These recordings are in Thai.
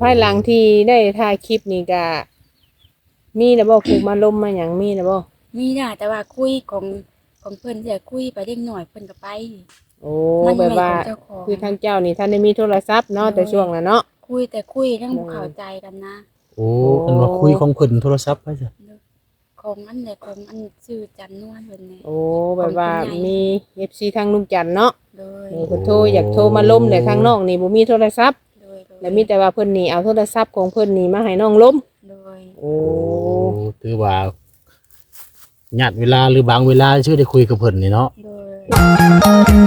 ภายหลังที่ได้ถ่ายคลิปนี่ก็มีแล้วบ่ผูกมาลมมาหยังมีแล้วบ่มีน่ะแต่ว่าคุยของเพิ่นจะคุยไปเล็กหน่อยเพิ่นก็ไปโอ้มันแบบว่าไม่ของเจ้าของคือทางเจ้านี่ท่านได้มีโทรศัพท์เนาะแต่ช่วงนั้นเนาะคุยยังบ่เข้าใจกันนะโอ้เพิ่นว่าคุยของเพิ่นโทรศัพท์ไปจ้ะของอันใดของอันชื่อจันนวลเพิ่นนี่โอ้แบบว่ามี FC ทางลุงจันทน์เนาะโดยเพิ่นโทรอยากโทรมาล้มแต่ทางน้องนี่บ่มีโทรศัพท์แล้วมีแต่ว่าเพิ่นนี่เอาโทรศัพท์ของเพิ่นนี่มาให้น้องล้มโดยโอ้ถือว่าญาติเวลาหรือบางเวลาชื่อได้คุยกับเพิ่นนี่เนาะโดย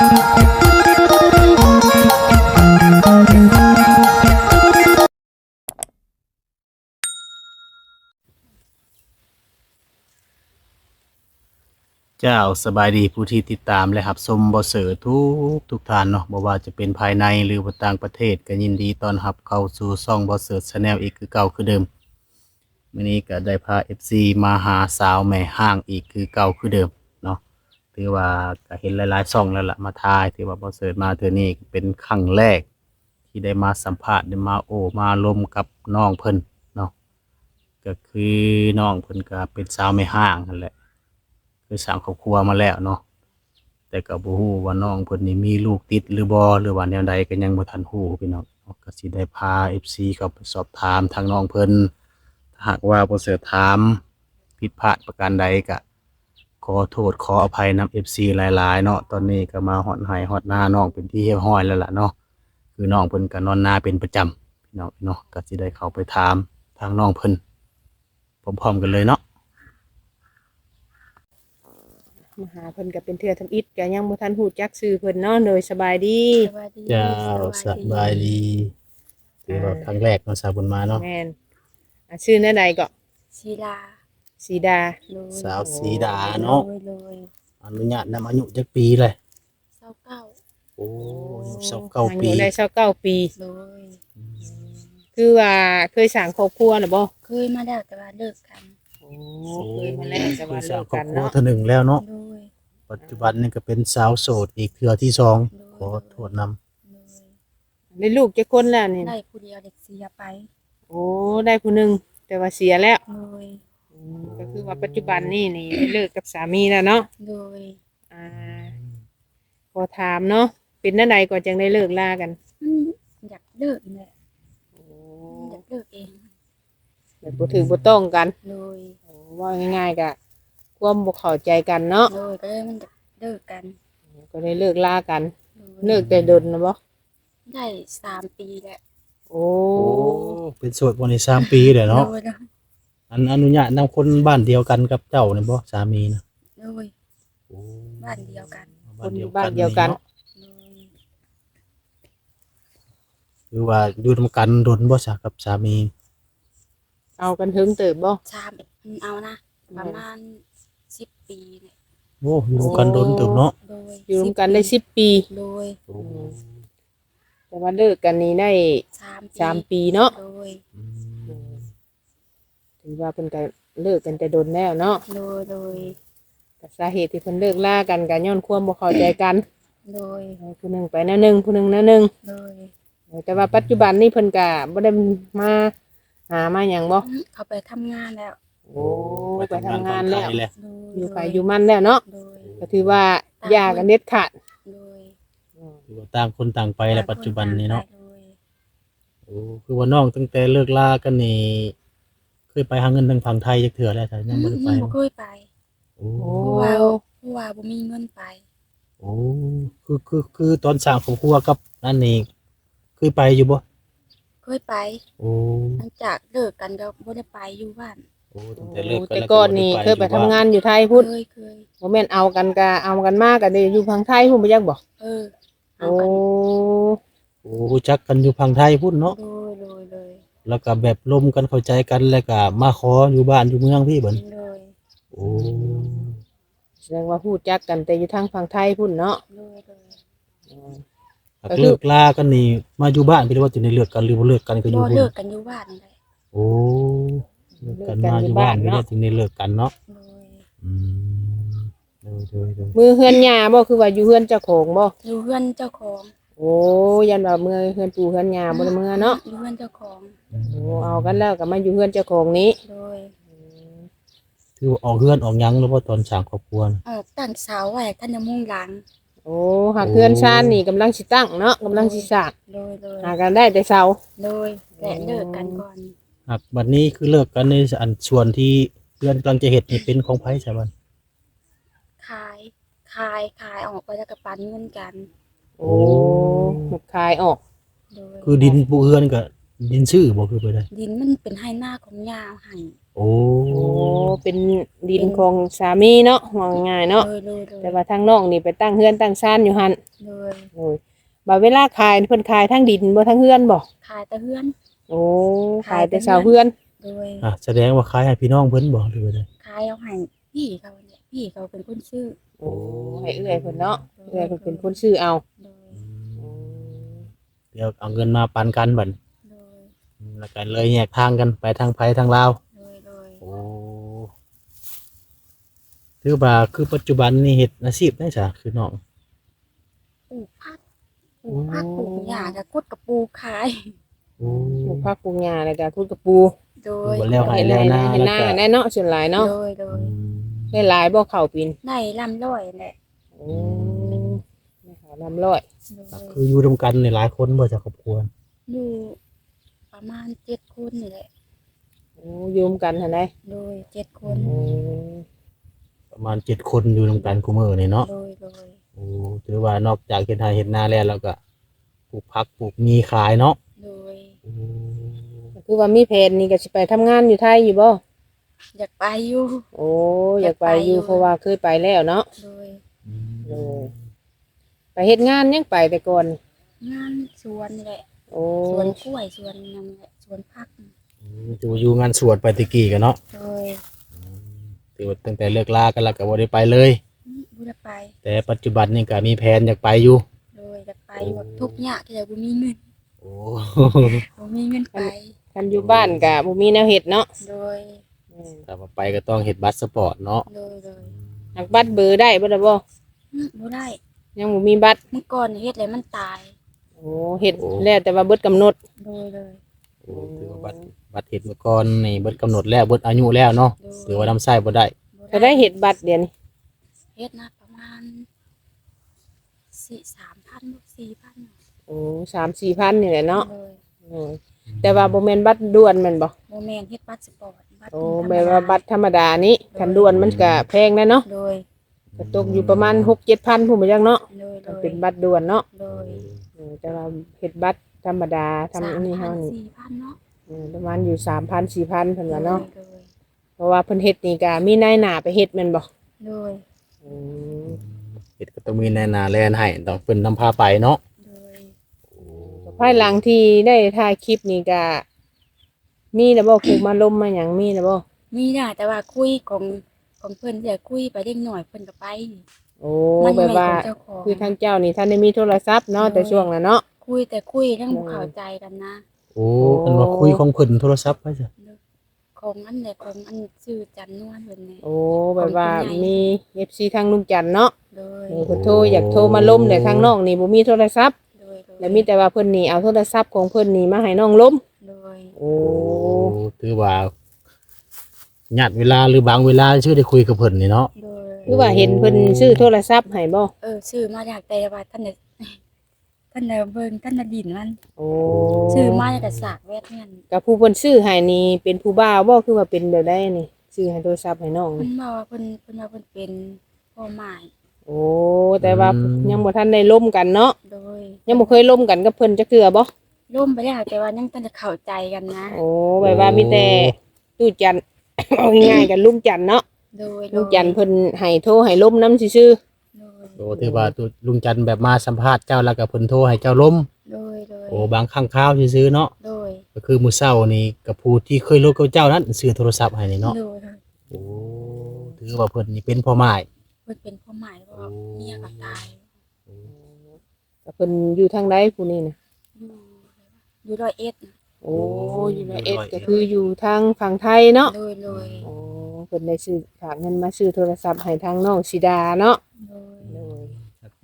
เจ้าสบายดีผู้ที่ติดตามและรับชมบ่เสือทุกท่านเนาะบ่ว่าจะเป็นภายในหรือว่าต่างประเทศก็ยินดีต้อนรับเข้าสู่ช่องบ่เสือ Channel อีกคือเก่าคือเดิมมื้อนี้ก็ได้พา FC มาหาสาวแม่ห้างอีกคือเก่าคือเดิมเนาะถือว่าก็เห็นหลายๆช่องแล้วล่ะมาถ่ายถือว่าบ่เสือมาเทื่อนี้เป็นครั้งแรกที่ได้มาสัมภาษณ์ได้มาโอ้มาลมกับน้องเพิ่นเนาะก็คือน้องเพิ่นก็เป็นสาวแม่ห้างนั่นแหละคือสร้างครอบครัวมาแล้วเนาะแต่ก็บ่ฮู้ว่าน้องเพิ่นนี่มีลูกติดหรือบ่หรือว่าแนวใดก็ยังบ่ทันฮู้พี่น้องก็สิได้พา FC เข้าไปสอบถามทางน้องเพิ่นถ้าหากว่าบ่เสิร์ชถามผิดพลาดประการใดก็ขอโทษขออภัยนำ FC หลายๆเนาะตอนนี้ก็มาฮอดไร่ฮอดนาน้องเป็นที่เรียบร้อยแล้วล่ะเนาะคือน้องเพิ่นก็นอนนาเป็นประจำพี่น้องเนาะก็สิได้เข้าไปถามทางน้องเพิ่นพร้อมๆกันเลยเนาะมาหาเพิ่นก็เป็นเทื่อทำอิฐก็ยังบ่ทันฮู้จักชื่อเพิ่นเนาะโดยสบายดีสวัสดีเจ้าสบายดีถือว่าครั้งแรกเนาะสาวบุญมาเนาะแม่นชื่อแนวใดก็ศิลาสีดาโดยสาวสีดาเนาะโดยอนุญาตนำอายุจักปีเลย 29 โอ้อายุอา 29ปียุได้29ปีโดยคือว่าเคยสร้างครอบครัวน่ะบ่เคยมาแล้วแต่ว่าเลิกกันโอ้เคยมาแล้วแต่ว่าคือเลิสาวกครอกับ นครัวเนาะเทื่อหนึ่งแล้วเนาะโดยปัจจุบันนี่ก็เป็นสาวโสดอีกเทื่อที่สองขอโทษนำโดยได้ลูกจักคนแล้วนี่ได้ผู้เดียวเด็กเสียไปโอ้ได้ผู้หนึงแต่ว่าเสียแล้วโดยก็คือว่าปัจจุบันนี่ได้เลิกกับสามีแล้วเนาะโดยอ่าขอถามเนาะเป็นจังได๋ก็จังได้เลิกลากันอยากเลิกแหละอยากเลิกเองแบบบ่ถือบ่ต้องกันโดยว่าง่ายๆก็ความบ่เข้าใจกันเนาะโดยก็เลยมันอยากเลิกกันก็ได้เลิกลากันโดยเลิกแต่ดนนะบ่ได้3 ปีแล้วโอ้โอ้เป็นโสดวันนี้3 ปีแล้วเนาะโดยอนุญาตนำคนบ้านเดียวกันกับเจ้านี่บ่สามีนะโดยโอ้บ้านเดียวกันคนอยู่บ้านเดียวกันเนาะโดยคือว่าอยู่นำกันดนบ่ซะกับสามีเอากันถึงเติบบ่เอานะประมาณ10 ปีเนี่ยโอ้อยู่นำกันดนเติบเนาะโดยอยู่ร่วมกันได้10 ปีโดยโอ้แต่ว่าเลิกกันนี่ได้3 ปีเนาะโดยอืมถือว่าเพิ่นก็เลิกกันแต่ดนแล้วเนาะโดยแต่สาเหตุที่เพิ่นเลิกลากันก็ย้อนความบ่เข้าใจกันโดยผู้หนึงไปแนวหนึงผู้หนึงแนวหนึงโดยแต่ว่าปัจจุบันนี่เพิ่นก็บ่ได้มาหามาหยังบ่เขาไปทำงานแล้วโอ้ไปทำงานแล้วไปทำงานโดยอยู่ไปอยู่มันแล้วเนาะโดยก็ถือว่าหย่ากันเด็ดขาดโดยคือว่าต่างคนต่างไปแล้วปัจจุบันนี้เนาะโดยโอ้คือว่าน้องตั้งแต่เลิกลากันนี่เคยไปหาเงินทางฝั่งไทยจักเทื่อแล้วแต่ยังบ่ได้ไปบ่เคยไปโอ้โอ้เพราะว่าบ่มีเงินไปโอ้คือตอนสร้างครอบครัวกับนั่นนี่เคยไปอยู่บ่เคยไปโอ้หลังจากเลิกกันก็บ่ได้ไปอยู่บ้านโอ้ตั้งแต่เลิกกันแต่แล้วก่อนนี่เคยไปทำงานอยู่ไทยพุ่นเคยบ่แม่นเอากันก็เอากันมาก็ได้อยู่พังไทยพุ่นบ่จักบ่เอาโอ้กันโอ้รู้จักกันอยู่ฝั่งไทยพุ่นเนาะโดยแล้วก็แบบร่วมกันเข้าใจกันแล้วก็มาขออยู่บ้านอยู่เมืองพี่เบิ่นโดยโอ้แสดงว่าฮู้จักกันแต่อยู่ทางฝั่งไทยพุ่นเนาะโดยหากเลิกลากันนี่มาอยู่บ้านพี่ว่าจะได้เลิกกันหรือบ่เลิกกันก็อยู่บ่พุ่นเลิกกันอยู่บ้านนี่แหละโอ้เลิกกันมาอยู่บ้านพี่ว่าจึงได้เลิกกันเนาะโดยอืมโดยมือเฮือนหญ้าบ่คือว่าอยู่เฮือนเจ้าของบ่อยู่เพื่อนเจ้าของโโอ้ยันว่าเมื่อเฮือนปู่เฮือนย่าบ่ได้เมื่อเนาะอยู่เพื่อนเจ้าของโอ้เอากันแล้วก็มาอยู่เฮือนเจ้าของนี้โดยถือว่าออกเฮือนออกหยังหรือว่าตอนสร้างครอบครัวน่ะออกตั้งเสาไว้ท่านจะมุ่งหลังโอ้หากเฮือนชานนี่กำลังสิตั้งเนาะกำลังสิสร้างโดยหากันได้แต่เช้าโดยแต่เลิกกันก่อนครับบัดนี้คือเลิกกันในอันส่วนที่เพื่อนกำลังจะเฮ็ดนี่เป็นของไผใช่บ่ขายออกไปแล้วก็ปันเงินกันโอ้หมดคายออกโดยคือดินปูเฮือนก็ดินชื่อบ่คือไปได้ดินมันเป็นให้หน้าของยาให้โอ้โอ้เป็นดินของสามีเนาะว่าง่ายๆเนาะโดยแต่ว่าทางน้องนี่ไปตั้งเฮือนตั้งชานอยู่หั่นโดยโอ้ยบัดเวลาขายเพิ่นขายทั้งดินบ่ทั้งเฮือนบ่ขายแต่เฮือนโอ้ขายแต่เช้าเฮือนโดยอ่ะแสดงว่าขายให้พี่น้องเพิ่นบ่หรือไปได้ขายเอาให้พี่เขาเนี่ยพี่เขาเป็นคนซื้อโอ้ให้เอื้อยเพิ่นเนาะเอื้อยเพิ่นเป็นคนซื้อเอาโดยเดี๋ยวเอาเงินมาปันกันบัดโดยแล้วกันเลยแยกทางกันไปทางไผทางลาวโดยโอ้ถือว่าคือปัจจุบันนี่เฮ็ดอาชีพได้จ้ะคือน้องปลูกผักปลูกหญ้ากับกุดกับปูขายโอ้ปลูกผักปลูกหญ้าแล้วก็คุดกระปูโดยบ่แล้วให้แล้วนาเฮ็ดแล้วนาก็แน่เนาะส่วนหลายเนาะโดยได้หลายบ่เข้าปีนได้ลำร้อยแหละโอ้ไม่หาลำร้อยโดยคืออยู่ร่วมกันในหลายคนบ่จ้ะครอบครัวอยู่ประมาณ7 คนนี่แหละโอ้อยืมกันหั่นได้โดย7 คนโอ้ประมาณ7คนอยู่ร่วมกันคุมื้อนี่เนาะโดยโอ้ถือว่านอกจากเฮ็ดนาเฮ็ดนาแล้วก็ปลูกผักปลูกมีขายเนาะโดยโอ้ก็คือว่ามีแผนนี่ก็สิไปทำงานอยู่ไทยอยู่บ่อยากไปอยู่โอ้อยากไปอยู่เพราะว่าเคยไปแล้วเนาะโดยโอ้ไปเฮ็ดงานยังไปแต่ก่อนงานสวนนี่แหละโอ้สวนกล้วยสวนนั่นแหละสวนผักจะอยู่งานสวดไปตะกี้กันเนาะโดยถือว่าตั้งแต่เลิกลากันแล้วก็บ่ได้ไปเลยบ่ได้ไปแต่ปัจจุบันนี่ก็มีแผนอยากไปอยู่โดยอยากไปแบบทุกข์ยากแต่บ่มีเงินโอ้บ่มีเงินไปคันอยู่บ้านก็บ่มีแนวเฮ็ดเนาะโดยถ้าว่าไปก็ต้องเฮ็ดบัตรสปอร์ตเนาะโดยหักบัตรเบอร์ได้บ่ล่ะบ่บ่ได้ยังบ่มีบัตรเมื่อก่อนเฮ็ดแล้วมันตายโอ้เฮ็ดแล้วแต่ว่าเบิดกำหนดโดยโอ้ถือว่าบัตรเฮ็ดเมื่อก่อนนี่เบิดกำหนดแล้วเบิดอายุแล้วเนาะถือว่านํใช้บ่ได้ก็ได้เฮ็ดบัตรเดี๋ยวนี้เฮ็ดนะประมาณ3,000 4,000 โอ้3-4,000นี่แหละเนาะโดยโอ้ยแต่ว่าบ่แม่นบัตรด่วนแม่นบ่บ่แม่นเฮ็ดบัตรสปอร์ตบัตรโอ้แบบว่าบัตรธรรมดานี้คันด่วนมันก็แพงนะเนาะโดยก็ตกอยู่ประมาณ 6-7,000พุ่นบ่จังเนาะโดยก็เป็นบัตรด่วนเนาะโดยแต่ว่าเฮ็ดบัตรธรรมดาทำอันนี้เฮานี่ 4,000เนาะประมาณอยู่ 3,000-4,000เพิ่นว่าเนาะโดยเพราะว่าเพิ่นเฮ็ดนี่ก็มีนายหน้าไปเฮ็ดแม่นบ่โดยอืมเฮ็ดก็ต้องมีแนนาแลนให้ต้องเพิ่นนำพาไปเนาะโดยภายหลังที่ได้ถ่ายคลิปนี่ก็มีแล้วบ่ครูมาลมมาหยังมีแล้วบ่มีน่ะแต่ว่าคุยของเพิ่นจะคุยไปเด็กหน่อยเพิ่นก็ไปโอ้มันแบบว่าไม่ของเจ้าของคือทางเจ้านี่ท่านได้มีโทรศัพท์เนาะแต่ช่วงนั้นเนาะคุยแต่คุยทั้งบ่เข้าใจกันนะโอ้เพิ่นว่าคุยของเพิ่นโทรศัพท์ไปจ้ะของอันใดของอันชื่อจันนวลเพิ่นนี่โอ้แบบว่ามี FC ทางลุงจันทน์เนาะโดยเพิ่นโทรอยากโทรมาล้มแต่ทางน้องนี่บ่มีโทรศัพท์โดยแล้วมีแต่ว่าเพิ่นนี่เอาโทรศัพท์ของเพิ่นนี่มาให้น้องล้มโดยโอ้ถือว่าญาติเวลาหรือบางเวลาชื่อได้คุยกับเพิ่นนี่เนาะโดยคือว่าเห็นเพิ่นซื้อโทรศัพท์ให้บ่ชื่อมาจากแต่ว่าท่านน่ะท่านน่ะเบิ่งท่านน่ะดินมันโอ้ชื่อมาจากแต่สากแวดเงินกับผู้เพิ่นซื้อให้นี่เป็นผู้บ่าวบ่คือว่าเป็นแบบใดนี่ซื้อให้โทรศัพท์ให้น้องเพิ่นี่นบอกว่าเพิ่นว่าเพิ่นเป็นพ่อหมายโอ้แต่ว่ายังบ่ทันได้ล้มกันเนาะโดยยังบ่เคยล้มกันกับเพิ่นจักเทื่อบ่ร่วมไปแล้วแต่ว่ายังต้องจะเข้าใจกันนะโอ้แบบว่ามีแต่ตู้จัน เอาง่ายๆกันลุงจันเนาะโดยลุงจันเพิ่นให้โทรให้ล้มนำซื่อโดยโอ้ถือว่าลุงจันทร์แบบมาสัมภาษณ์เจ้าแล้วก็เพิ่นโทรให้เจ้าล้มโดยโอ้บางครั้งคราวซื่อๆเนาะโดยก็คือมื้อเช้านี่กับผู้ที่เคยลบกับเจ้านั้นซื้อโทรศัพท์ให้นี่เนาะโดยโอ้ถือว่าเพิ่นนี่เป็นพ่อไม้เพิ่นเป็นพ่อหมายว่าเมียก็ตายๆก็เพิ่นอยู่ทางใดผู้นี้น่ะอยู่ร้อยเอ็ดน่ะโอ้อยู่ในเอ็ดก็คืออยู่ทางฝั่งไทยเนาะโดยโอ้เพิ่นได้ซื้อฝากเงินมาซื้อโทรศัพท์ให้ทางน้องสิดาเนาะโดยโดยโ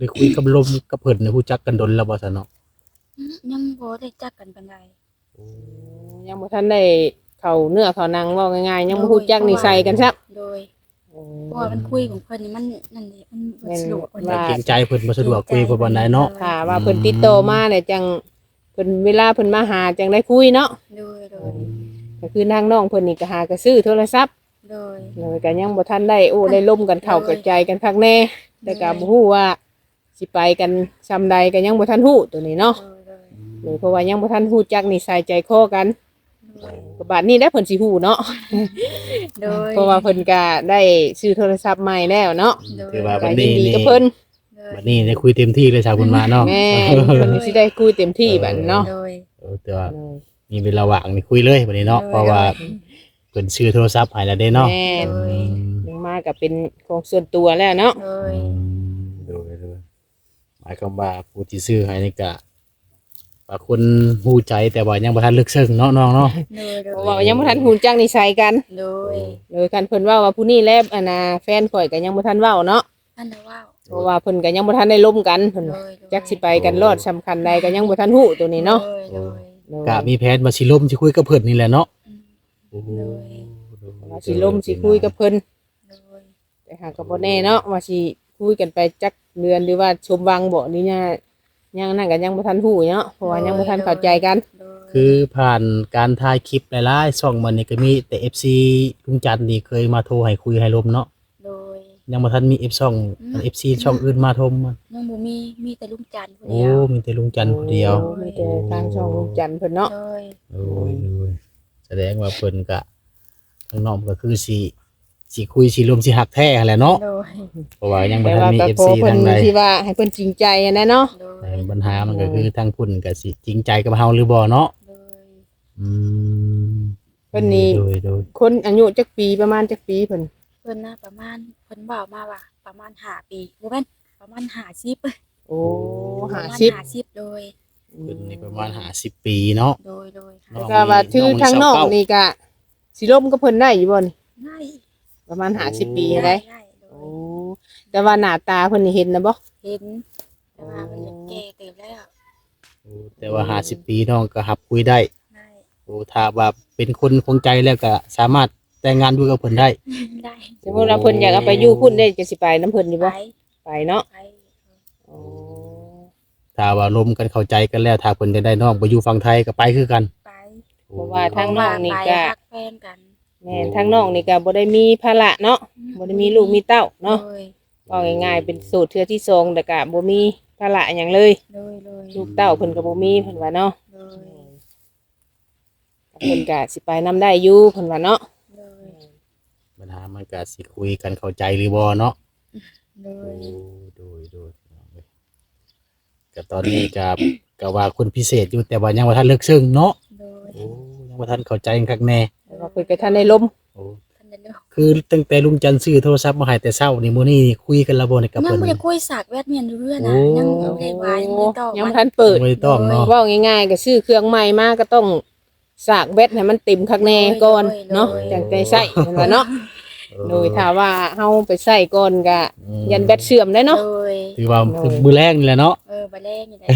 ได้คุยกับลมกับเพิ่นเนี่ยรู้จักกันดนแล้วบ่ซะเนาะยังบ่ได้จักกันปานใดยังบ่ทันได้เข้าเนื้อเข้าหนังเว้าง่ายๆยังบ่ฮู้จักนิสัยกันซับโดยเพราะว่ามันคุยของเพิ่นนี่มันนั่นแหละมันบ่สะดวกปานใดว่าเกรงใจเพิ่นบ่สะดวกคุยบ่ปานใดเนาะถ้าว่าเพิ่นติดต่อมาเนี่ยจังเพิ่นเวลาเพิ่นมาหาจังได้คุยเนาะโดยก็คือทางน้องเพิ่นนี่ก็หาก็ซื้อโทรศัพท์โดยเลยก็ยังบ่ทันได้โอ้ได้ล่มกันเข้ากับใจกันคักแน่แต่ก็บ่ฮู้ว่าสิไปกันซำใดก็ยังบ่ทันฮู้ตัวนี้เนาะเลยเพราะว่ายังบ่ทันฮู้จักนิสัยใจคอกันก็บัดนี้ได้เพิ่นสิฮู้เนาะโดยเพราะว่าเพิ่นก็ได้ซื้อโทรศัพท์ใหม่แล้วเนาะถือว่าก็วันยินี้นดีนี่กับเพิ่นบัดนี้ได้คุยเต็มที่เลยชาวบุญมาเนาะแม่เพิ่นสิได้คุยเต็มที่บัดเนาะโดยแต่ว่ามีเวลาว่างนี่คุยเลยบัดนี้เนาะเพราะว่าเพิ่นซื้อโทรศัพท์ให้แล้วเด้เนาะแม่โดยลงมาก็เป็นของส่วนตัวแล้วเนาะโดยดูหมายความว่าผู้ที่ซื้อให้นี่ก็ว่าคนฮู้ใจแต่ว่ายังบ่ทันลึกซึ้งเนาะน้องเนาะโดยเพราะว่ายังบ่ทันฮู้จักนิสัยกันโดยเลยคันเพิ่นเว้าว่าผู้นี้แลบอันน่ะแฟนข่อยก็ยังบ่ทันเว้าเนาะท่านน่ะว้าวเพราะว่าเพิ่นก็ยังบ่ทันได้ล้มกันเพิ่นโดว่ายโดยจักสิไปกันรอดสำคัญใดก็ยังบ่ทันฮู้ตัวนี้เนาะโดยกะมีแผนว่าสิล่มสิคุยกับเพิ่นนี่แหละเนาะโดยว่าสิล้มสิคุยกับเพิ่นโดยแต่หากก็บ่แน่เนาะว่าสิคุยกันไปจักเดือนหรือว่าชมวังบ่นี่เนี่ยยังนั่นก็ยังบ่ทันฮู้เนาะเพราะว่ายังบ่ทันเข้าใจกันโดยคือผ่านการถ่ายคลิปหลายๆช่องมันนี่ก็มีแต่ FC ลุงจันทร์นี่เคยมาโทรให้คุยให้ลมเนาะโดยยังบ่ทันมี F ช่อง FC ช่องอื่นมาโทรมายังบ่มีแต่ลุงจันทร์ผู้โอ้เดียวมีแต่ลุงจันทร์ผู้เดียวโอ้มีแต่ทางช่องลุงจันทร์เพิ่นเนาะโดยโอ้ยแสดงว่าเพิ่นก็ข้างนอกก็คือสิคุยสิรวมสิหักแท้แหละเนาะโดยเพราะว่ายังบ่แต่ทันว่ามีก็ข FC อเพิ่นทางใดที่ว่าให้เพิ่นจริงใจอะนะเนาะโดยแต่ปัญหามันก็คือทางพุ่นก็สิจริงใจกับเฮาหรือบ่เนาะโดยอืมเพิ่นนี่โดยคนอายุจักปีประมาณจักปีเพิ่นเพิ่นน่ะประมาณเพิ่นบอกมาว่าประมาณ5ปีบ่แม่นประมาณ50 โอ้ประมาณ 50 50โดยเพิ่นนี่ประมาณ50ปีเนาะโดยน้องก็ว่าถือทางนอกนี่ก็สิล้มกับเพิ่นได้อยู่บ่นี่ได้ประมาณ50ปีได้ได้โดโอ้ยแต่ว่าหน้าตาเพิ่นนี่เห็นนะบ่เห็นแต่ว่ามันยังแก่เติบแล้วแต่ว่า50ปีน้องก็หับคุยได้ได้โอ้ถ้าว่าเป็นคนคงใจแล้วก็สามารถแต่งงานอยู่กับเพิ่นได้ได้สมมุติว่าเพิ่นอยากเอาไปอยู่พุ่นได้จะสิไปนํเพิ่นอยู่ไปบ่ไปเนาะไปโอ้ถ้าว่าลมกันเข้าใจกันแล้วถ้าเพิ่นจะได้น้องไปอยู่ฝั่งไทยก็ไปคือกันไปเพราะว่าทางน้องนี่ก็รักแฟนกันแม่นทางน้องนี่ก็บ่ได้มีภาระเนาะบ่ได้มีลูกมีเต้าเนาะโดยว่าง่ายๆเป็นสูตรเทื่อที่สองแต่ก็บ่มีภาระหยังเลยโดยลูกเต้าเพิ่นก็บ่มีเพิ่นว่าเนาะโดยเพิ่นก็สิไปนํได้อยู่เพิ่นว่าเนาะโดยปัญหามันก็สิคุยกันเข้าใจหรือบ่เนาะโดยโดยก็ตอนนี้ก็ว่าคนพิเศษอยู่แต่ว่ายังบ่ทันเลิกซึ้งเนาะโดยโอ้ยังบ่ทันเข้าใจกันคักแน่แต่ว่าเพิ่นก็ทันได้ล้มโอ้ท่านได้เลิกคือตั้งแต่ลุงจันทร์ซื้อโทรศัพท์มาให้แต่เช้านี่มื้อนี้คุยกันและบ่ในกับยังเพิ่นไม่ได้คุยสากแวดเมียนอยู่เรื่อยนะโอ้ยังไม่ได้วายยังไม่ได้ตอบยังบ่ทันเปิดบ่ได้ต้องเนาะเว้าง่ายๆก็ซื้อเครื่องใหม่มาก็ต้องสากแบตให้มันเต็มคักแน่ก่อนเนาะจังได้ใช้เพิ่นว่าเนาะโดยถ้าว่าเฮาไปใช้ก่อนก็ยันแบตเสื่อมได้เนาะโดยถือว่ามื้อแรกนี่แหละเนาะบะแรกนี่แหละ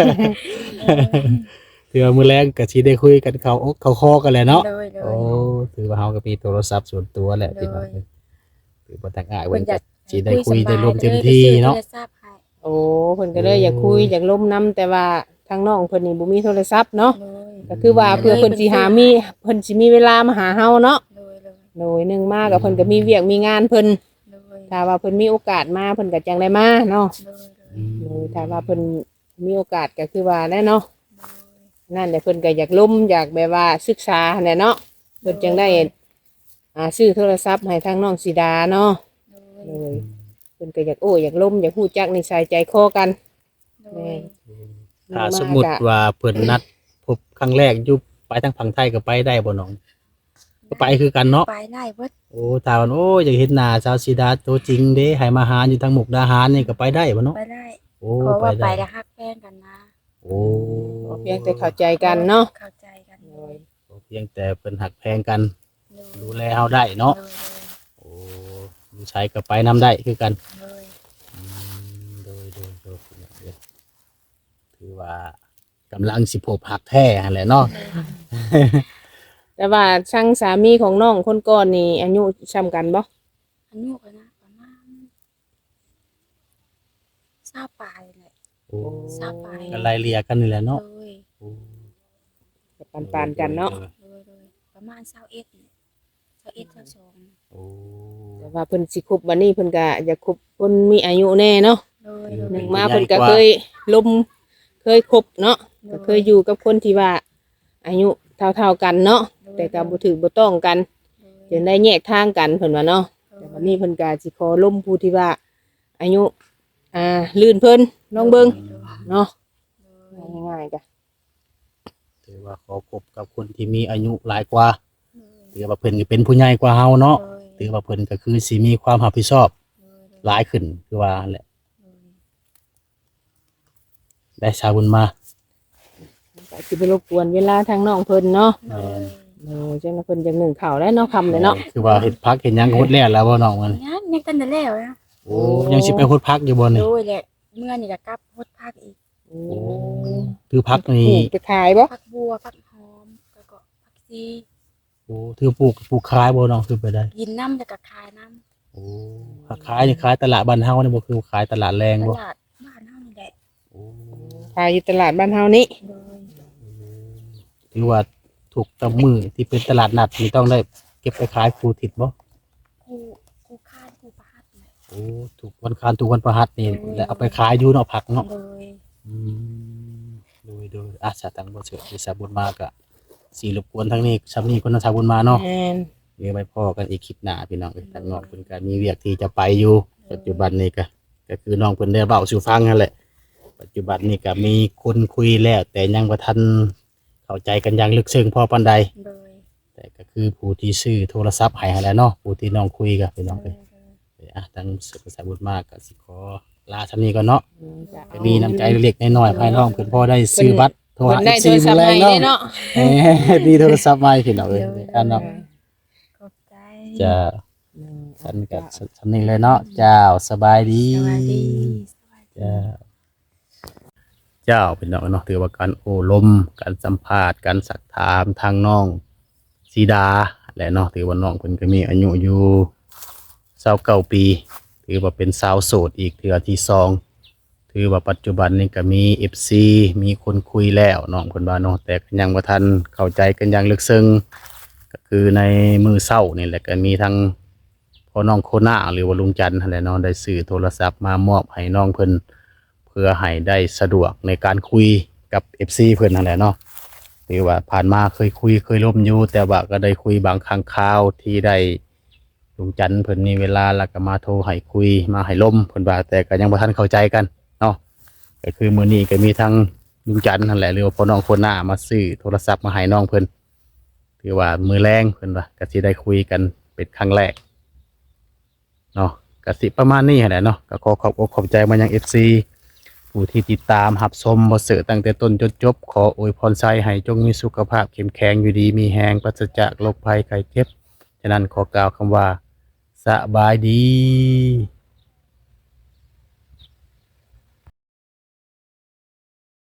ถือว่ามื้อแรกก็สิได้คุยกันเข้าอกเข้าคอกันแหละเนาะโดยโอ้ถือว่าเฮาก็มีโทรศัพท์ส่วนตัวแหละพี่น้องถือว่าต่างอ้ายเพิ่เพิ่นนอยาก็กสิได้คุยได้ร่วมเต็มที่เนาะโทรศัพท์ให้โอ้เพิ่นก็เลยอยากคุยอยากล้มนํแต่ว่าทางน้องเพิ่นนี่บ่มีโทรศัพท์เนาะโดยก็คือว่าเพื่อเพิ่นสิหามีเพิ่นสิมีเวลามาหาเฮาเนาะโดยโดยหนึงมาก็เพิ่นก็มีเวียกมีงานเพิ่นโดยถ้าว่าเพิ่นมีโอกาสมาเพิ่นก็จังได้มาเนาะโดยโดยถ้าว่าเพิ่นมีโอกาสก็คือว่าแน่เนาะนั่นแหละเพิ่นก็อยากล้มอยากแบบว่าศึกษาแหละเนาะเพิ่นจังได้ซื้อโทรศัพท์ให้ทางน้องสีดาเนาะโดเลย ยเพิ่นก็อยากโอ้อยากล้มอยากฮู้จักนิสัยใจคอกันโดยถ้าสมมุติว่าเพิ่นนัดพบครั้งแรกอยู่ไปทางฝั่งไทยก็ไปได้บ่น้องก็ไปคือกันเนาะไปได้เบิดโอ้ถ้าว่าโอ้อยากเห็นหน้าสาวสีดาตัวจริงเด้ให้มาหาอยู่ทางมุกดาหารนี่ก็ไปได้บ่เนาะไปได้โอ้เพราะไปว่าไปได้แล้วฮักแฟนกันนะโอ้เพียงแต่เข้าใจกันเนาะเข้าใจกันโดยเพียงแต่เพิ่นหักแพงกันโดยดูแลเฮาได้เนาะโอ้ลูกชายก็ไปนํได้คือกันโดยโดยถือว่ากำลังสิพบหักแท้หั่นแหละเนาะแต่ว่าช่างสามีของน้องคนก่อนนี่อายุซ้ำกันบ่อายุก็นะประมาณ20ปลายแหละโอ้ 20ปลายก็ไล่เลี่ยกันนี่แหละเนาะโดยโอ้ปานๆกันเนาะโดยประมาณ21นี่21 22 โอ้แต่ว่าเพิ่นสิคบบัดนี้เพิ่นก็อยากคบคนมีอายุแน่เนาะโดยหนึ่งมาเพิ่นก็เคยลมเคยคบเนาะก็เคยอยู่กับคนที่ว่าอายุเท่าๆกันเนาะแต่ก็บ่ถือบ่ต้องกันจนได้แยกทางกันเพิ่นว่าเนาะแต่วันนี้เพิ่นก็สิขอล้มผู้ที่ว่าอายุลื่นเพิ่นลองเบิ่งเนาะง่ายๆจ้ะถือว่าขอคบกับคนที่มีอายุหลายกว่าถือว่าเพิ่นก็เป็นผู้ใหญ่กว่าเฮาเนาะถือว่าเพิ่นก็คือสิมีความรับผิดชอบหลายขึ้นคือว่าแหละได้ชาวบุญมาก็สิไปรบกวนเวลาทางน้องเพิ่นเนาะแม่นจังว่าเพิ่นจังหนึ่งข้าวแล้วเนาะค่ำเลยเนาะคือว่าเฮ็ดพักเฮ็ดหยังก็ฮดแล้วบ่น้องมันยังกันแต่แล้วนะโอ้ยังสิไปฮดพักอยู่บ่นี่โดยแหละเมื่อนี่ก็กลับพดพักอีกโอ้ถือพักนี่จะขายบ่พักบัวพักหอมแล้วก็พักซีโอ้ถือปลูกขายบ่น้องคือไปได้กินน้ำแล้วก็ขายน้โอ้ขายนี่ขายตลาดบ้านเฮานี่บ่คือขายตลาดแรงำตบ่ลาดบ้านเฮานี่แหละโอ้ขายอยู่ตลาดบ้านเฮานี่โดยถือว่าถูกกับมือที่เป็นตลาดนัดนี่ต้องได้เก็บไปขายครูทิศบ่กูคาดกูประหัดแหละโอ้ถูกวันคานถูกวันประหัสนี่แล้วเอาไปขายอยู่เนาะผักเนาะโดยอืมโดยสาตังบ่เสือที่สาบุญมากะสิรบกวนทั้งนี้ซ้ำนี้คนสาบุญมาเนาะแม่นเดี๋ยวไปพ่อกันอีกคลิปหน้าพี่น้องทางน้องเพิ่นก็มีเวียกที่จะไปอยู่ปัจจุบันนี้ก็คือน้องเพิ่นได้เว้าสู่ฟังนั่นแหละปัจจุบันนี้ก็มีคนคุยแล้ว แต่ยังบ่ทันเข้าใจกันอย่างลึกซึ้งพอปานใดโดยแต่ก็คือผู้ที่ซื้อโทรศัพท์ให้หั่นแหละเนาะผู้ที่น้องคุยกับพี่น้องโดเอ้ยยทางสุขสาบุญมากก็สิขอลาชั้นนี้ก่อนเนาะจ้ะก็มีน้ำใจเล็กๆน้อยๆให้น้องเพิ่นพอได้ซื้อบัตรโทรเพิ่หานได้โทรศัพท์ใหม่เนาะเด้เนาะมีโทรศัพท์ใหม่พี่น้องเอ้ยอันเนาะขอบใจจะฉันกับฉันนี่เลยเนาะเจ้าสบายดีสวัสดีสวัสดีเจ้าเป็นน้องเนาะถือว่าการโอ้ลมการสัมภาษณ์การสักถามทางน้องสีดาและเนาะถือว่าน้องเพิ่นก็มีอายุอยู่29ปีถือว่าเป็นสาวโสดอีกเทื่อที่สองถือว่าปัจจุบันนี้ก็มี FC มีคนคุยแล้วน้องเพิ่นว่าเนาะแต่ก็ยังบ่ทันเข้าใจกันอย่างลึกซึ้งก็คือในมือเช้านี่แหละก็มีทั้งพ่อน้องโคน่าหรือว่าลุงจันทร์นั่นแหละเนาะได้ซื้อโทรศัพท์มามอบให้น้องเพิ่นเพื่อให้ได้สะดวกในการคุยกับ FC เพิ่นนั่นแหละเนาะหรือว่าผ่านมาเคยคุยเคยล่มอยู่แต่ว่าก็ได้คุยบางครั้งคราวที่ได้ลุงจันทร์เพิ่นมีเวลาแล้วก็มาโทรให้คุยมาให้ล่มเพิ่นว่าแต่ก็ยังบ่ทันเข้าใจกันเนาะก็คือมื้อนี้ก็มีทั้งลุงจันทร์นั่นแหละหรือว่าพ่อน้องคนหน้ามาซื้อโทรศัพท์มาให้น้องเพิ่นถือว่ามื้อแรงเพิ่นว่าก็สิได้คุยกันเป็นครั้งแรกเนาะก็สิประมาณนี้แหละเนาะก็ขอขอบอกขอบใจมายัง FC ผู้ที่ติดตามรับชมบ่เสือตั้งแต่ต้นจนจบขออวยพรไซให้จงมีสุขภาพเข้มแข็งอยู่ดีมีแรงปราศจากโรคภัยไข้เจ็บฉะนั้นขอกล่าวคำว่าสบายดี